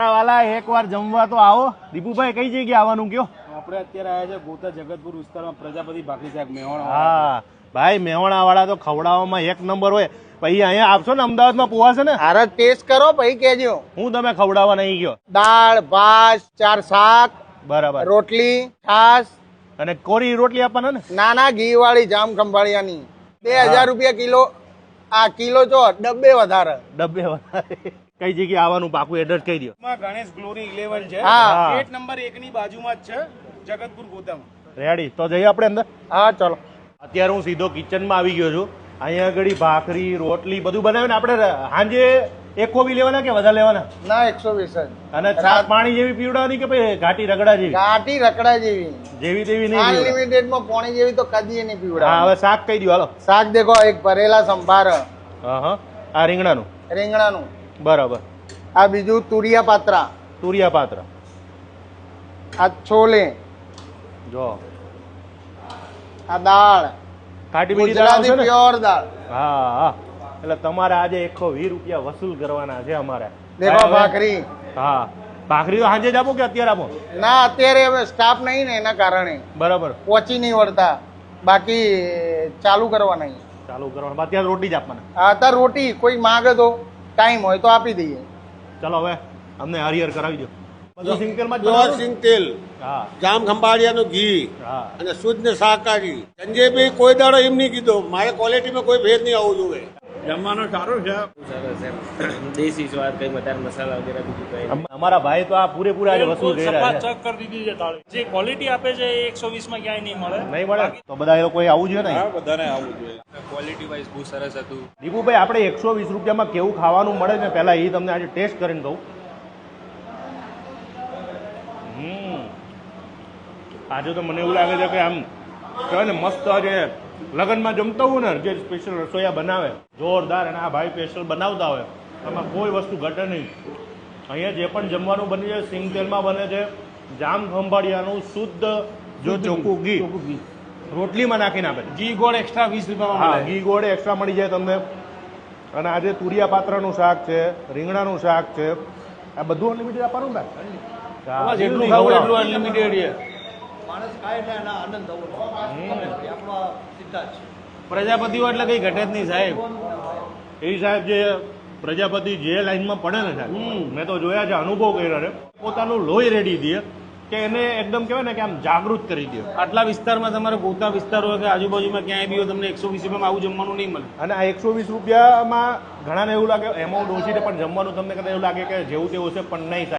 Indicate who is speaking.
Speaker 1: વાલા એકવાર જમવા તો આવો. દીપુભાઈ કઈ જગ્યાએ આવવાનું કયો?
Speaker 2: આપણે અત્યારે આવ્યા છે ગોતા જગતપુર વિસ્તારમાં પ્રજાપતિ ભાખરી શાક મેહોણા.
Speaker 1: હા ભાઈ, મેહોણા વાળા તો ખવડાવવામાં એક નંબર હોય. પછી અહીંયા આવશો ને અમદાવાદમાં પોવા છે ને,
Speaker 3: હારે ટેસ્ટ કરો પછી કેજો.
Speaker 1: હું તમે ખવડાવવા નહીં ગયો.
Speaker 3: દાળ ભાત 4 શાક
Speaker 1: બરાબર.
Speaker 3: રોટલી છાસ
Speaker 1: અને કોરી રોટલી આપવાના ને?
Speaker 3: નાના ઘી વાળી જામ ખંભાળિયાની 2000 રૂપિયા કિલો. આ કિલો જો ડબ્બે વધારે.
Speaker 1: ડબ્બે વધારે. કઈ જગ્યાએ આવવાનું પાકું એડ્રેસ કહી દો.
Speaker 2: ગણેશ ગ્લોરી 11 છે.
Speaker 3: હા.
Speaker 2: ગેટ નંબર 1 ની બાજુમાં જ છે, જગતપુર ગોતામાં.
Speaker 1: રેડી, તો જઈએ આપણે અંદર.
Speaker 3: હા ચલો.
Speaker 1: અત્યારે હું સીધો કિચનમાં આવી ગયો છું. અહીંયા આગળ ભાખરી રોટલી બધું બનાવે ને. આપણે સાંજે એક કોબી લેવાના કે વધારે લેવાના?
Speaker 3: ના 120 જ.
Speaker 1: અને છાશ પાણી જેવી પીવડાવવાની કે પછી ઘાટી રગડા જેવી?
Speaker 3: ઘાટી રકડા જેવી.
Speaker 1: જેવી તેવી નહીં.
Speaker 3: અનલિમિટેડ માં પાણી જેવી તો કદી નહીં
Speaker 1: હા,
Speaker 3: પીવડાવ.
Speaker 1: હવે શાક કહી દો હાલો.
Speaker 3: શાક દેખો, એક ભરેલા સંભાર
Speaker 1: હા હા, આ રીંગણાનું.
Speaker 3: રીંગણાનું.
Speaker 1: બરાબર.
Speaker 3: આ બીજું તુરિયા પાત્રા.
Speaker 1: તુરિયા પાત્ર.
Speaker 3: આ છોલે.
Speaker 1: જો
Speaker 3: આ દાળ
Speaker 1: ખાટી મીઠી દાળ આવશે
Speaker 3: ગુજરાતી
Speaker 1: ને?
Speaker 3: પ્યોર દાળ.
Speaker 1: હા હા, એટલે તમારે આજે 120 રૂપિયા વસૂલ કરવાના છે અમારે.
Speaker 3: દેખો ભાખરી.
Speaker 1: હા, ભાખરી તો સાંજે જ આપો કે અત્યારે આપો?
Speaker 3: ના અત્યારે હવે સ્ટાફ નહીં ને એના કારણે
Speaker 1: બરાબર.
Speaker 3: પહોંચી નહીં વળતા. બાકી ચાલુ કરવાના નહીં.
Speaker 1: ચાલુ કરવાનું. અત્યારે રોટી જ આપવાના.
Speaker 3: અત્યારે રોટી કોઈ માંગે તો ટાઈમ હોય તો આપી દઈએ.
Speaker 1: ચલો હવે અમને હરિહર કરાવી દો. બધું સિંગતેલમાં જ
Speaker 4: પ્યોર
Speaker 1: બનાવો?
Speaker 4: સિંગ તેલ,
Speaker 1: હા
Speaker 4: જામ ખંભાળિયાનું ઘી
Speaker 1: હા.
Speaker 4: અને શુદ્ધ ને શાકાહારી. સંજયભાઈ કોઈ દાડો એમ નહીં કીધું મારે ક્વોલિટીમાં કોઈ ભેદ નહીં આવવું જોઈએ.
Speaker 2: જમવાનું સારું છે.
Speaker 5: સરસ એમ દેશી સ્વાદ, કઈ વધારે મસાલા વગેરે બીજું કઈ
Speaker 1: અમારા ભાઈ તો આ પૂરેપૂરા આજે વસૂલ કરી રહ્યા છે.
Speaker 6: ચેક કરી દીધી છે તાળી. જે ક્વોલિટી આપે છે એ 120 માં ક્યાંય નહીં મળે.
Speaker 1: નહીં મળે તો બધા એ લોકોએ આવવું જોઈએ ને.
Speaker 2: બધાને આવવું જોઈએ.
Speaker 5: ક્વોલિટી વાઇઝ બહુ સરસ હતું.
Speaker 1: દીપુભાઈ, આપણે 120 રૂપિયામાં કેવું ખાવાનું મળે ને પહેલા એ તમને આજે ટેસ્ટ કરીને કહું. આજે તો મને એવું લાગે છે કે આમ કહેવાય ને મસ્ત આજે લગ્નમાં જમતા હોય ને જે સ્પેશિયલ રસોઈયા બનાવે જોરદાર, અને આ ભાઈ સ્પેશિયલ બનાવતા હોય એમાં કોઈ વસ્તુ ઘટે નહીં. અહીંયા જે પણ જમવાનું બને છે સિંગ તેલમાં બને છે. જામ ખંભાળિયાનું શુદ્ધ જો ચોખ્ખું ઘી રોટલીમાં નાખીને આપે છે.
Speaker 2: ઘી ગોળ એક્સ્ટ્રા 20 રૂપિયામાં
Speaker 1: હા,
Speaker 2: મળે.
Speaker 1: ઘી ગોળ એક્સ્ટ્રા મળી જાય તમને. અને આજે તુરિયા પાત્રનું શાક છે, રીંગણાનું શાક છે. આ બધું અનલિમિટેડ આપવાનું ને? હા,
Speaker 2: જેટલું ખાવું એટલું અનલિમિટેડ છે. પ્રજાપતિઓ એટલે કઈ ઘટે જ નહીં સાહેબ.
Speaker 1: એ સાહેબ જે પ્રજાપતિ જે લાઈનમાં પડે ને સાહેબ, મેં તો જોયા છે, અનુભવ કર્યો છે. પોતાનું લોહી રેડી દે કે એને એકદમ કહેવાય ને કે આમ જાગૃત કરી દે.
Speaker 2: આટલા વિસ્તારમાં તમારે ગોતા વિસ્તાર હોય કે આજુબાજુમાં ક્યાંય બી હોય, તમને 120 રૂપિયામાં આવું જમવાનું નહીં મળે.
Speaker 1: અને આ 120 રૂપિયામાં ઘણાને એવું લાગે એમાઉન્ટ ઓછી છે, પણ જમવાનું તમને કદાચ એવું લાગે કે જેવું તેવું છે, પણ નહીં.